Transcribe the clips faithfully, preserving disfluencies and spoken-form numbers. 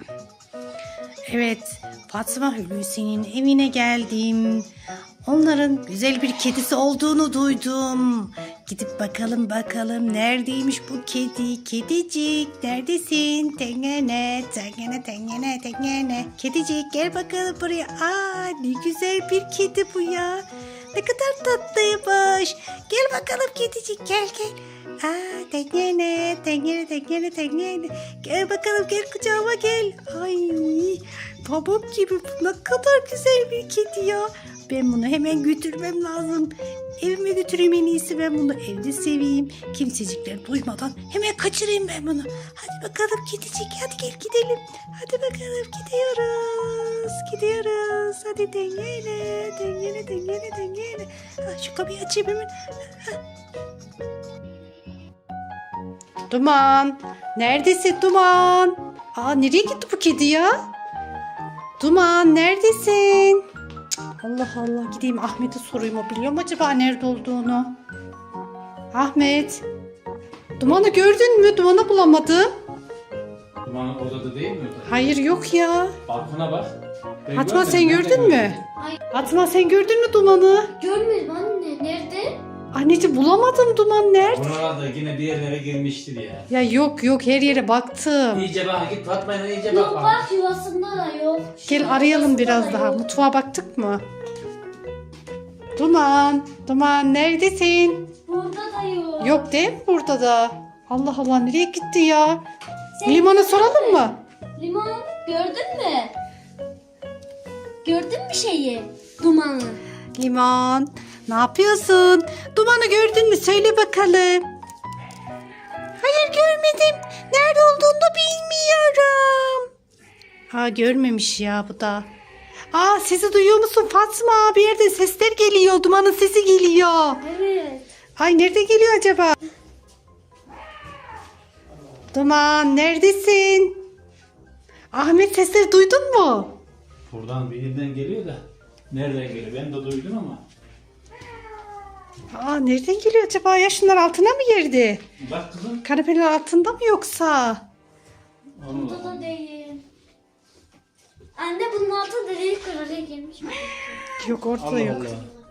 Evet, Fatma Hulusi'nin evine geldim. Onların güzel bir kedisi olduğunu duydum. Gidip bakalım bakalım neredeymiş bu kedi? Kedicik neredesin? Tengene, tengene, tengene, tengene. Kedicik gel bakalım buraya. Aa, ne güzel bir kedi bu ya. Ne kadar tatlıymış. Gel bakalım kedicik, gel gel. Aa, tengene, tengene, tengene, tengene. Gel bakalım, gel kucağıma gel. Ay, pamuk gibi, ne kadar güzel bir kedi ya. Ben bunu hemen götürmem lazım. Evime götüreyim en iyisi, ben bunu evde seveyim. Kimsecikler duymadan hemen kaçırayım ben bunu. Hadi bakalım kedicik, hadi gel gidelim. Hadi bakalım, gidiyoruz. Gidiyoruz. Hadi dengele, dengele, dengele, dengele. Ha, şu kapıyı açayım hemen. Ha. Duman. Neredesin Duman? Aa, nereye gitti bu kedi ya? Duman neredesin? Allah Allah, gideyim Ahmet'e sorayım, o biliyor mu acaba nerede olduğunu? Ahmet. Duman'ı gördün mü? Duman'ı bulamadım. Dumanın odada değil mi? Hayır, yok ya. Balkona bak. Ben Fatma görmedim, sen ben de gördün mü? görmedim. Hayır. Fatma sen gördün mü Duman'ı? Görmedim anne. Nerede? Anneciğim bulamadım, Duman nerede? Buralarda yine bir yerlere girmiştir ya. Ya yok yok, her yere baktım. İyice bak, git Fatma'yla iyice Yok bak. bak, yuvasında da yok. Gel arayalım Yuvasında biraz da daha. yok. Mutfağa baktık mı? Duman, Duman neredesin? Burada da yok. Yok değil mi burada da? Allah Allah, nereye gitti ya? Sen Limon'a gördün soralım mü? mı? Limon gördün mü? Gördün mü şeyi? Dumanı. Limon, ne yapıyorsun? Duman'ı gördün mü? Söyle bakalım. Hayır, görmedim. Nerede olduğunu da bilmiyorum. Ha, görmemiş ya bu da. Aa, sesi duyuyor musun Fatma? Bir yerden sesler geliyor. Duman'ın sesi geliyor. Evet. Ay, nerede geliyor acaba? Duman neredesin? Ahmet, sesleri duydun mu? Buradan bir yerden geliyor da. Nereden geliyor? Ben de duydum ama. Aa, nereden geliyor acaba ya? Şunlar altına mı girdi? Bak kızım. Kanepenin altında mı yoksa? Allah Burada Allah. da değil. Anne bunun altında değil, oraya girmiş mi? Yok, ortada Allah yok. Allah.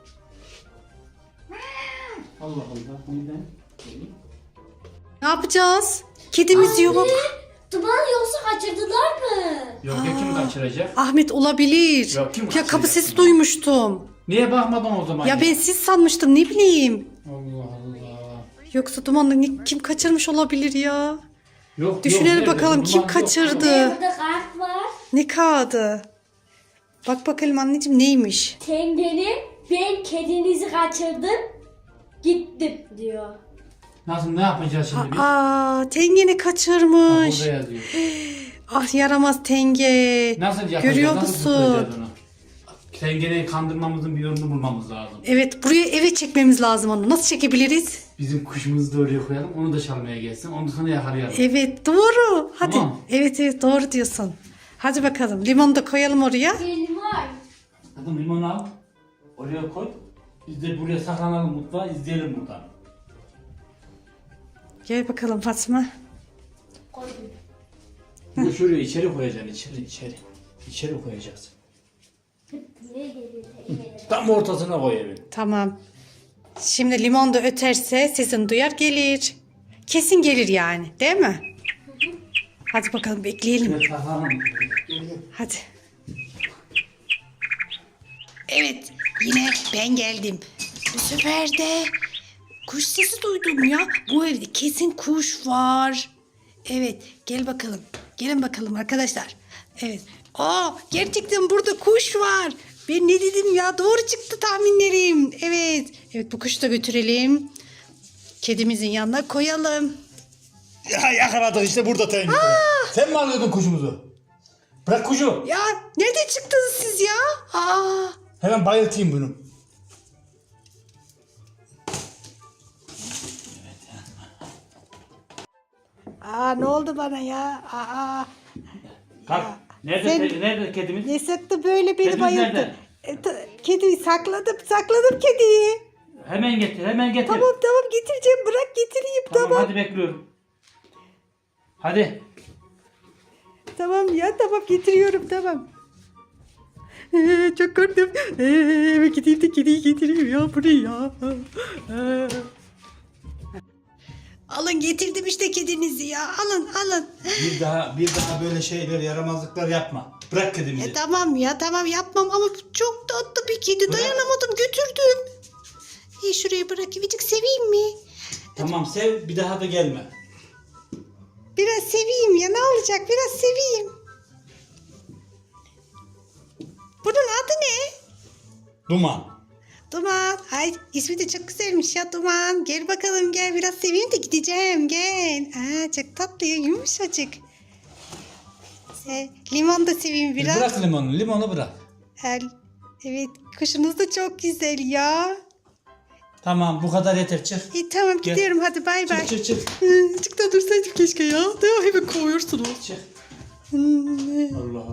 Allah Allah. Neden? Ne yapacağız? Kedimiz yok. Anne, Duman yoksa kaçırdılar mı? Yok ya, kim kaçıracak? Ahmet olabilir. Yok, kim Ya kapı kaçıracak? sesi duymuştum. Niye bakmadın o zaman? Ya ben siz sanmıştım, ne bileyim. Allah Allah. Yoksa Duman'ı ne- kim kaçırmış olabilir ya? Yok, Düşünelim yok, nerede? bakalım, kim Duman yok. kaçırdı? Anne, burada kart var. Ne kağıdı? Bak bakalım anneciğim, neymiş? Tengenim, ben kedinizi kaçırdım. Gittim diyor. Nasıl, ne yapacağız şimdi biz? Aa, Tengen'i Bak, kaçırmış. burada yazıyor. Ah, yaramaz Tenge. Nasıl yapacağız? Görüyor Nasıl musun? tutacağız onu? Sen gene kandırmamızın bir yolunu bulmamız lazım. Evet, buraya eve çekmemiz lazım onu. Nasıl çekebiliriz? Bizim kuşumuzu da oraya koyalım. Onu da çalmaya gelsin. Onu da sonra yakalayalım. Evet, doğru. Hadi. Tamam. Evet evet, doğru diyorsun. Hadi bakalım, limonu da koyalım oraya. Benim var. Hadi limonu al. Oraya koy. Biz de buraya saklanalım, mutfağa izleyelim buradan. Gel bakalım Fatma. Koydum. Bunu şuraya içeri koyacaksın. İçeri içeri. İçeri koyacağız. Ne geliyor? Tam ortasına koy evin. Tamam. Şimdi limon da öterse sesini duyar, gelir. Kesin gelir yani, değil mi? Hadi bakalım, bekleyelim. Şuraya saklanalım. Hadi. Evet, yine ben geldim. Bu sefer de kuş sesi duydum ya. Bu evde kesin kuş var. Evet, gel bakalım. Gelin bakalım arkadaşlar. Evet. Aa, gerçekten burada kuş var. Ben ne dedim ya? Doğru çıktı tahminlerim. Evet. Evet, bu kuşu da götürelim. Kedimizin yanına koyalım. Ya yakaladık işte, burada Tengi. Sen mi alıyordun kuşumuzu? Bırak kuşu. Ya nereden çıktınız siz ya? Aa. Hemen bayıltayım bunu. Aa, ne oldu bana ya? Aa. Kalk. Nerede, Sen- te- nerede kedimiz? Ne sıktı böyle beni Kedimiz bayılttı. nerede? E, ta- kediyi sakladım, sakladım kediyi. Hemen getir, hemen getir. Tamam tamam, getireceğim, bırak getireyim, Tamam, tamam. hadi bekliyorum. Hadi. Tamam ya tamam getiriyorum tamam. Ee, çok korktum. Ee, eve gideyim de kediyi getireyim ya buraya. Ee. Alın getirdim işte kedinizi ya. Alın alın. Bir daha bir daha böyle şeyler yaramazlıklar yapma. Bırak kedimizi. E, tamam ya tamam yapmam ama bu çok tatlı bir kedi. Dayanamadım götürdüm. İyi şuraya bırakayım. Azıcık seveyim mi? Tamam sev bir daha da gelme. Biraz seveyim ya ne olacak biraz seveyim. Bunun adı ne? Duman. Duman. Ay ismi de çok güzelmiş ya Duman. Gel bakalım gel biraz seveyim de gideceğim gel. Aa, çok tatlı ya yumuşacık. Se limon da seveyim biraz. Bırak limonu, limonu bırak. El. Evet kuşunuz da çok güzel ya. Tamam bu kadar yeter çık. İyi tamam Gel. gidiyorum hadi bay bay. Çık çık çık. Çık da dursaydım keşke ya. Değil mi? Hemen kovuyorsunuz. Çık. Hmm. Allah